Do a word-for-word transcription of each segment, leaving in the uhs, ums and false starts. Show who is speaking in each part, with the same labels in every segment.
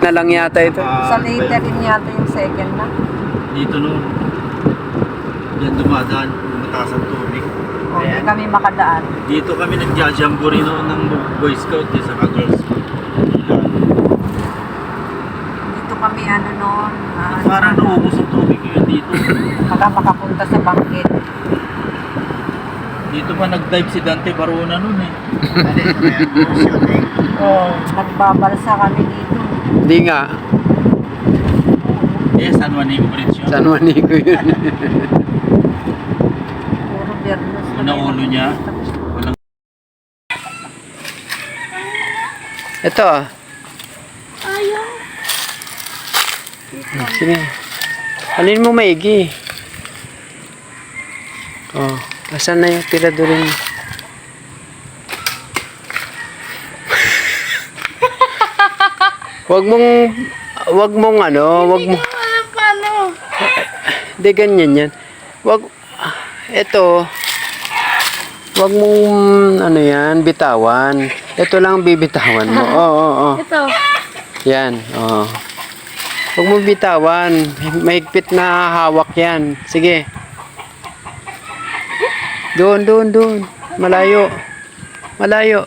Speaker 1: na lang yata ito.
Speaker 2: Sa later rin yata yung second na.
Speaker 3: Dito no. Yan dumadaan. Mataas ang tubig.
Speaker 2: O, hindi kami makadaan.
Speaker 3: Dito kami nagja-jamboree noon ng Boy Scout eh, sa Girl Scout.
Speaker 2: Dito kami ano noon. ah,
Speaker 3: Parang naubos ang tubig yun dito.
Speaker 2: Baka makapunta sa bangkit.
Speaker 3: Dito pa nag-dive si Dante Barona noon eh.
Speaker 2: Oo. Nagbabalsa kami dito.
Speaker 1: Hindi nga.
Speaker 3: Eh, San Juanico Bridge yun.
Speaker 1: San Juanico yun.
Speaker 2: Puro Bernos. na
Speaker 3: Unang
Speaker 2: may
Speaker 3: ulo niya.
Speaker 2: nakikita.
Speaker 3: Walang
Speaker 1: Ito ah.
Speaker 2: Ayaw.
Speaker 1: Sige. Alin mo maigi? Oh, asan na yung tiradurin mo? Wag mong, wag mong ano, wag mo.
Speaker 2: Alam paano?
Speaker 1: Hindi ganyan yan. Wag, ito, wag mong, ano yan, bitawan. Ito lang bibitawan mo. Oo, oo, oo.
Speaker 2: Ito.
Speaker 1: Yan, oo. Wag mong bitawan. Mahigpit na hawak yan. Sige. Doon, doon, doon. Malayo. Malayo.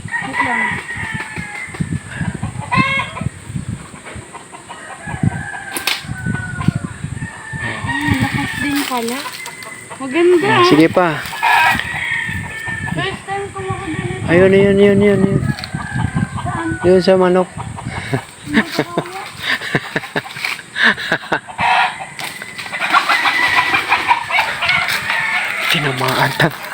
Speaker 2: Lakas din pala. Maganda.
Speaker 1: Ah, sige pa.
Speaker 2: First time ko makadala.
Speaker 1: Ayun, yun, yun, yun, yun. Yun sa manok. Tinamaan.